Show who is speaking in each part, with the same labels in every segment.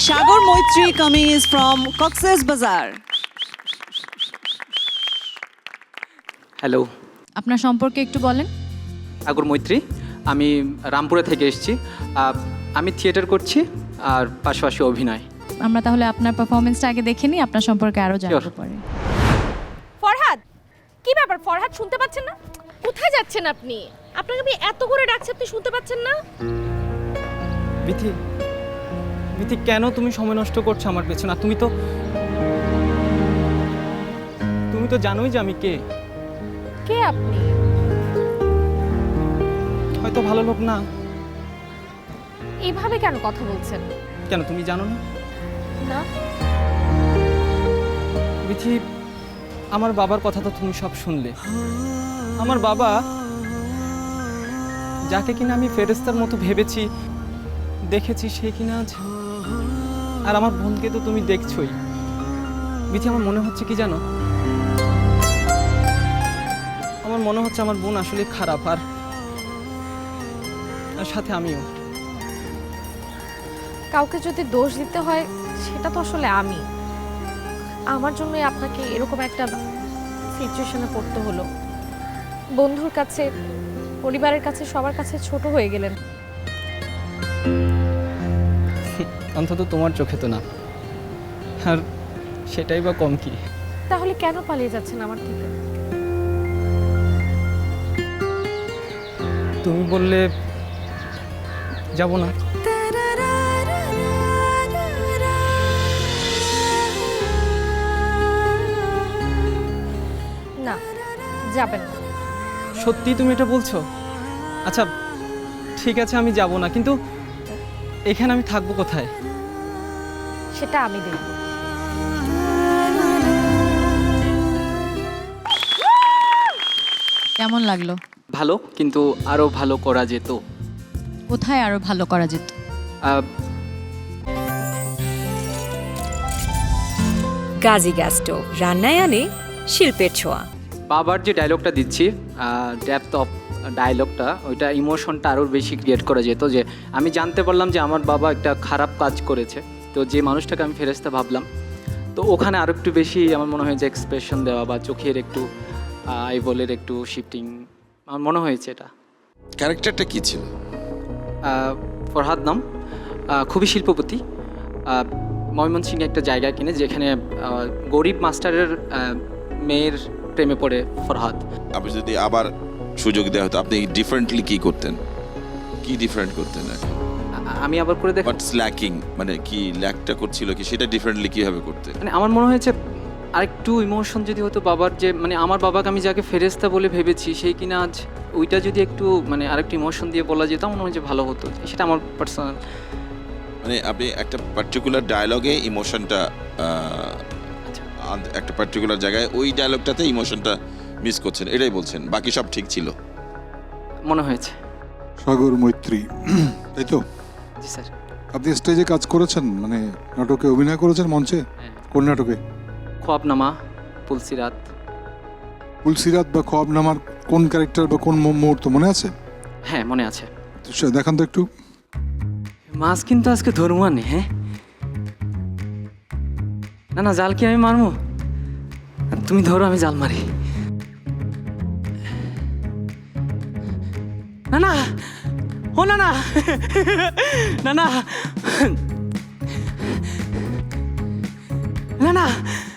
Speaker 1: Sagar Moitri Kameez from Cox's Bazar.
Speaker 2: Hello,
Speaker 3: আপনার সম্পর্কে একটু বলেন।
Speaker 2: সাগর মৈত্রী, আমি রামপুরা থেকে এসেছি। আমি থিয়েটার করছি আর পাশাপাশি অভিনয়।
Speaker 3: আমরা তাহলে আপনার পারফরমেন্সটা আগে দেখে নিই, আপনার সম্পর্কে আরো জানতে
Speaker 2: Sure.
Speaker 3: পারি।
Speaker 4: ফরহাদ, কি ব্যাপার ফরহাদ, শুনতে পাচ্ছেন না? কোথায় যাচ্ছেন আপনি? আপনাকে আমি এত করে ডাকছি, আপনি শুনতে পাচ্ছেন না?
Speaker 2: বিথি, বিথি, কেন তুমি সময় নষ্ট করছো আমার পেছনে? আর তুমি তো জানোই যে আমি কে।
Speaker 4: কে আপনি?
Speaker 2: হয়তো ভালো লোক না।
Speaker 4: এইভাবে কেন কথা বলছেন?
Speaker 2: কেন তুমি জানো না?
Speaker 4: না।
Speaker 2: বিথি, আমার বাবার কথা তো তুমি সব শুনলে। আমার বাবা, যাকে কিনা আমি ফেরেস্তার মতো ভেবেছি, দেখেছি, সে কিনা আজ। আর আমার বোনকে তো তুমি দেখছোই। বিথি, আমার মনে হচ্ছে কি জানো, আমার মনে হচ্ছে আমার বোন আসলে খারাপ, আর সাথে আমিও।
Speaker 4: কাউকে যদি দোষ দিতে হয় সেটা তো আসলে আমি। আমার জন্যই আপনাকে এরকম একটা সিচুয়েশনে পড়তে হলো। বন্ধুর কাছে, পরিবারের কাছে, সবার কাছে ছোট হয়ে গেলেন।
Speaker 2: অন্তত তোমার চোখে তো না, আর সেটাই বা কম কি।
Speaker 4: তাহলে কেন পালিয়ে যাচ্ছেন আমার থেকে?
Speaker 2: তুমি বললে যাব না।
Speaker 4: না, যাবেন না।
Speaker 2: সত্যি তুমি এটা বলছো? আচ্ছা ঠিক আছে, আমি যাব না, কিন্তু এখানে আমি থাকবো কোথায়?
Speaker 4: সেটা আমি দেখব।
Speaker 3: কেমন লাগলো?
Speaker 2: ভালো, কিন্তু আরো ভালো করা যেত।
Speaker 3: কোথায় আরো ভালো করা যেত?
Speaker 5: গাজী গ্যাস স্টোভ রান্নায় আনে শিল্পের ছোঁয়া।
Speaker 2: বাবার যে ডায়লগটা দিচ্ছি, ডেপথ অফ ডায়লগটা, ওইটা ইমোশনটা আরও বেশি ক্রিয়েট করা যেত। যে আমি জানতে পারলাম যে আমার বাবা একটা খারাপ কাজ করেছে, তো যে মানুষটাকে আমি ফেরেশতা ভাবলাম, তো ওখানে আরও একটু বেশি আমার মনে হয় যে এক্সপ্রেশন দেওয়া বা চোখের একটু আইবলের একটু শিফটিং, আমার মনে হয়েছে এটা।
Speaker 6: ক্যারেক্টারটা কি ছিল?
Speaker 2: ফরহাদ নাম, খুবই শিল্পপতি। ময়মনসিংহে একটা জায়গা কিনে, যেখানে গরিব মাস্টারের মেয়ের প্রেমে পড়ে ফরহাদ।
Speaker 6: আপনি যদি আবার সুযোগ দেওয়া হতো, আপনি ডিফারেন্টলি কি করতেন? কি ডিফারেন্ট করতেন?
Speaker 2: আমি আবার করে দেখি,
Speaker 6: হোয়াটস ল্যাকিং, মানে কি ল্যাকটা করছিল কি, সেটা ডিফারেন্টলি কিভাবে করতেন?
Speaker 2: মানে আমার মনে হয়েছে আরেকটু ইমোশন যদি হতো বাবার, যে মানে আমার বাবাকে আমি যাকে ফেরেশতা বলে ভেবেছি, সেই কিনা আজ ওইটা যদি একটু মানে আরেকটু ইমোশন দিয়ে বলা যেত, মনে হয় যে ভালো হতো। সেটা আমার পার্সোনাল।
Speaker 6: মানে আপনি একটা পার্টিকুলার ডায়লগে ইমোশনটা, একটা পার্টিকুলার জায়গায় ওই ডায়লগটাতে ইমোশনটা মিস করছেন, এটাই বলছেন, বাকি সব ঠিক ছিল
Speaker 2: মনে হয়েছে।
Speaker 7: সাগর মৈত্রী, তাই তো?
Speaker 2: জি স্যার।
Speaker 7: আপনি স্টেজে কাজ করেছেন, মানে নাটকে অভিনয় করেছেন মঞ্চে? কোন নাটকে?
Speaker 2: খোয়াবনামা, পুলসিরাত।
Speaker 7: তুলসিরাত বা খোয়াবনামার কোন ক্যারেক্টার বা কোন মুহূর্ত মনে আছে?
Speaker 2: হ্যাঁ মনে আছে।
Speaker 7: দেখান তো একটু।
Speaker 2: মাছ কিন্তু আজকে ধরবো আনে। হ্যাঁ, না না, জাল কি আমি মারবো? তুমি ধরো, আমি জাল মারি। না না, ও না না, না না, না না,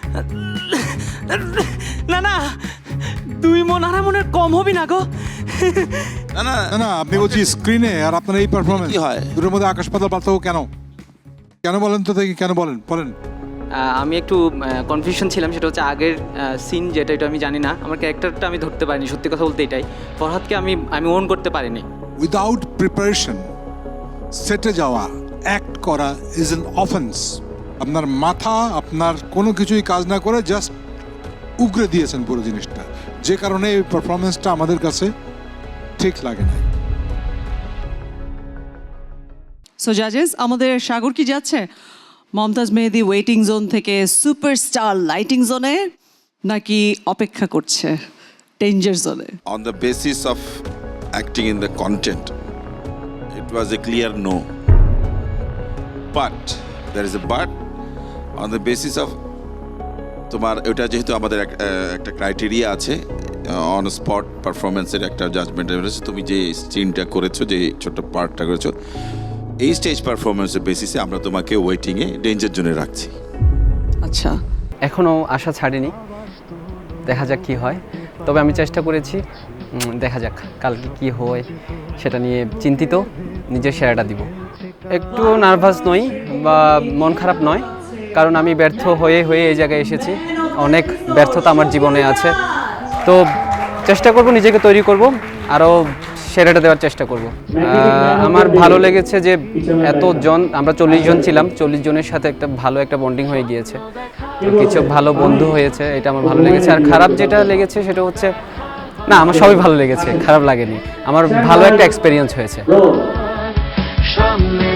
Speaker 2: না না, তুই মন আর মনের কম হবি না গো।
Speaker 6: না না
Speaker 7: না না, আপনি বলছি স্ক্রিনে আর আপনার এই পারফরমেন্স,
Speaker 6: কি হয়?
Speaker 7: দুটোর মধ্যে আকাশ পাতাল পার্থক্য কেন? কেন বলেন তো দেখি, কেন বলেন বলেন।
Speaker 2: আমি একটু কনফিউশন ছিলাম, সেটা হচ্ছে আগের সিন যেটা, এটা আমি জানি না, আমার ক্যারেক্টারটা আমি ধরতে পারিনি, সত্যি কথা বলতে এটাই। ফরহাদকে আমি ওন করতে পারিনি।
Speaker 7: উইদাউট প্রিপারেশন সেটে যাওয়া, অ্যাক্ট করা ইজ অ্যান অফেন্স। আপনার মাথা, আপনার কোনো কিছুই কাজ না করে জাস্ট উগরে দিয়েছেন পুরো জিনিসটা, যে কারণে এই পারফরমেন্সটা আমাদের কাছে ঠিক লাগে না।
Speaker 1: সো জাজেস, আমাদের সাগর কি যাচ্ছে মমতাজ মেহেদি ওয়েটিং জোন থেকে সুপারস্টার লাইটিং জোনে, নাকি অপেক্ষা করছে ডেঞ্জার জোনে?
Speaker 6: on the basis of acting in the content, it was a clear no. But there is a but on the basis of তোমার ওটা যেহেতু আমাদের একটা ক্রাইটেরিয়া আছে অন স্পট পারফরমেন্সের একটা জাজমেন্ট রয়েছে, তুমি যে সিনটা করেছো, যে ছোট্ট পার্টটা করেছো, এই স্টেজ পারফরমেন্সের বেসিসে আমরা তোমাকে ওয়েটিংয়ে ডেঞ্জার জোনে রাখছি।
Speaker 1: আচ্ছা,
Speaker 8: এখনও আশা ছাড়িনি, দেখা যাক কি হয়। তবে আমি চেষ্টা করেছি, দেখা যাক কালকে কি হয় সেটা নিয়ে চিন্তিত, নিজের সেরাটা দিব। একটু নার্ভাস নই বা মন খারাপ নয়, কারণ আমি ব্যর্থ হয়ে এই জায়গায় এসেছি। অনেক ব্যর্থতা আমার জীবনে আছে, তো চেষ্টা করব, নিজেকে তৈরি করব, আরও সেরাটা দেওয়ার চেষ্টা করব। আমার ভালো লেগেছে যে এতজন, আমরা 40 জন ছিলাম, 40 জনের সাথে একটা ভালো একটা বন্ডিং হয়ে গিয়েছে, কিছু ভালো বন্ধু হয়েছে, এটা আমার ভালো লেগেছে। আর খারাপ যেটা লেগেছে সেটা হচ্ছে, না আমার সবই ভালো লেগেছে, খারাপ লাগেনি, আমার ভালো একটা এক্সপেরিয়েন্স হয়েছে।
Speaker 9: সামনে